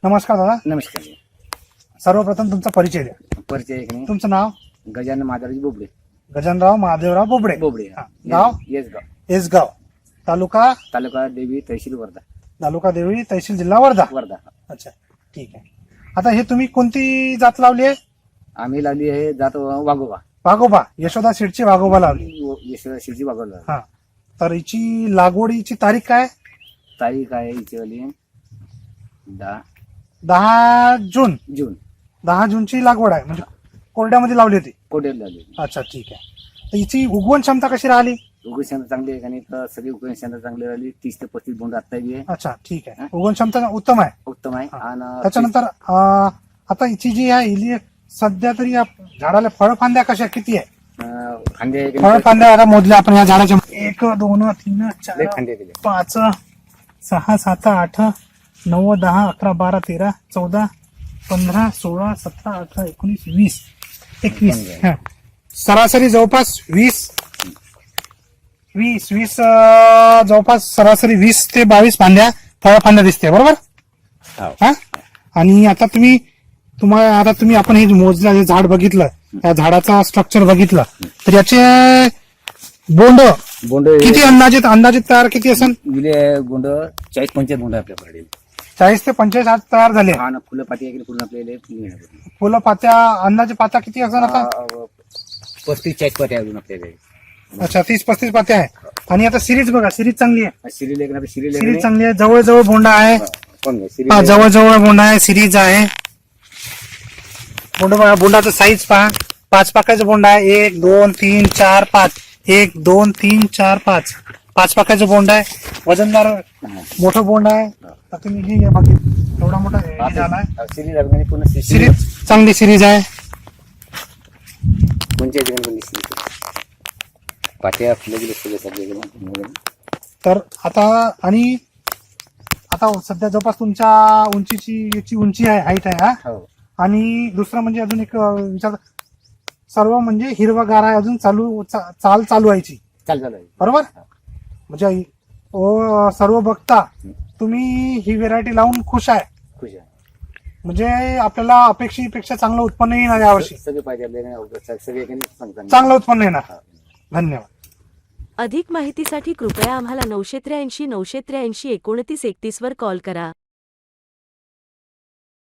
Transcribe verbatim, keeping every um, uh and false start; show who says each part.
Speaker 1: नमस्कार दादा.
Speaker 2: नमस्कार.
Speaker 1: सर्वप्रथम तुमचा परिचय द्या.
Speaker 2: परिचय एक नाही.
Speaker 1: तुमचं नाव?
Speaker 2: गजानन माधवराज बोबडे.
Speaker 1: गजानराव महादेवराव बोबडे.
Speaker 2: बोबडे.
Speaker 1: हा. गाव?
Speaker 2: येसगाव.
Speaker 1: येसगाव. तालुका?
Speaker 2: तालुका देवी तहसील वर्धा.
Speaker 1: तालुका देवळी तहसील जिल्हा वर्धा.
Speaker 2: वर्धा.
Speaker 1: अच्छा, ठीक आहे. आता हे तुम्ही कोणती जात लावली आहे?
Speaker 2: आम्ही लावली आहे जात वाघोबा.
Speaker 1: वाघोबा. यशोदा सीडची वाघोबा लावली.
Speaker 2: यशोदा शिवजी वाघोबा.
Speaker 1: हा. तर हिची लागवडीची तारीख काय?
Speaker 2: तारीख आहे हिची वाली दहा
Speaker 1: दहा जून.
Speaker 2: जून.
Speaker 1: दहा जूनची लागवड आहे, म्हणजे कोरड्यामध्ये लावली होती.
Speaker 2: कोडेल लावली.
Speaker 1: अच्छा, ठीक आहे. तर हिची उगवण क्षमता कशी राहिली?
Speaker 2: उगवण क्षमता चांगली आहे आणि तर सगळी उगवण क्षमता चांगली राहिली. तीस ते पस्तीस बोंड आता आहे.
Speaker 1: अच्छा, ठीक आहे. उगवण क्षमता उत्तम आहे.
Speaker 2: उत्तम आहे.
Speaker 1: हा.
Speaker 2: आणि
Speaker 1: त्याच्यानंतर अं, आता हिची जी आहे हिली सध्या तरी या झाडाला फळफांद्या कशा किती आहे?
Speaker 2: अं, फांदे
Speaker 1: फळफांद्या आता मोजल्या आपण या झाडाच्या. एक दोन तीन
Speaker 2: लय
Speaker 1: चार
Speaker 2: फांदे दिले.
Speaker 1: पाच सहा सात आठ नऊ दहा अकरा बारा तेरा चौदा पंधरा सोळा सतरा अठरा एकोणीस वीस एकवीस. हा. सरासरी जवळपास वीस वीस वीस अं, जवळपास सरासरी वीस ते बावीस फांद्या फळफांद्या दिसते, बरोबर?
Speaker 2: हो.
Speaker 1: हा. आणि आता तुम्ही तुम्हाला आता तुम्ही आपण हे मोजलं हे झाड बघितलं, त्या झाडाचा स्ट्रक्चर बघितलं, तर याचे बोंड
Speaker 2: बोंड
Speaker 1: किती अंदाजित अंदाजित तयार किती असेल?
Speaker 2: विले बोंड चाळीस पंचायत बोंड आपल्याकडे.
Speaker 1: चाळीस ते पंचेचाळीस आज तयार झाले.
Speaker 2: हा ना. फुलं पाती आहे पूर्ण आपल्याला फुलं
Speaker 1: फुलं पात्या अंदाजे पात्या किती असेल आता?
Speaker 2: पस्तीस चाळीस पाती अजून आपल्याकडे.
Speaker 1: अच्छा, तीस पस्तीस पात्या आहे. आणि आता सिरीज बघा, सिरीज चांगली आहे.
Speaker 2: सिरी लेखन सिरी
Speaker 1: सिरीज चांगली आहे. जवळ जवळ बोंडा आहे. हा, जवळ जवळ बोंडा आहे, सिरीज आहे. बोंड बघा, बोंडाचं साईज पहा. पाच पाकाचं बोंड आहे. एक दोन तीन चार पाच. एक दोन तीन चार पाच. पाच पाकाचं बोंड आहे. वजनदार मोठं बोंड आहे. आता तुम्ही हे बघितलं एवढा मोठा हे झाला आहे.
Speaker 2: सिरी लागणे पूर्ण
Speaker 1: सिरीज चांगली सिरीज आहे.
Speaker 2: पंचायत पाट्या फुलं गेले सगळे सगळे.
Speaker 1: तर आता आणि आता सध्या जवळपास तुमच्या उंचीची याची उंची आहे, हाईट आहे. हा.
Speaker 2: हो. आणि
Speaker 1: दुसरं म्हणजे अजून एक अं, विचार, सर्व म्हणजे हिरवागार आहे अजून, चालू चा- चाल चालू व्हायची,
Speaker 2: चाल चालू आहे.
Speaker 1: बरोबर? म्हणजे ओ, सर्व बघता तुम्ही ही व्हेरायटी लावून खुश आहे,
Speaker 2: खुश आहे.
Speaker 1: म्हणजे आपल्याला अपेक्षेपेक्षा चांगलं उत्पन्न येणार यावर्षी.
Speaker 2: सगळे पाहिजे आपल्याला सगळे
Speaker 1: चांगलं उत्पन्न येणार. धन्यवाद.
Speaker 3: अधिक माहितीसाठी कृपया आम्हाला नऊशे त्र्याऐंशी नऊशे त्र्याऐंशी एकोणतीस एकतीस वर कॉल करा.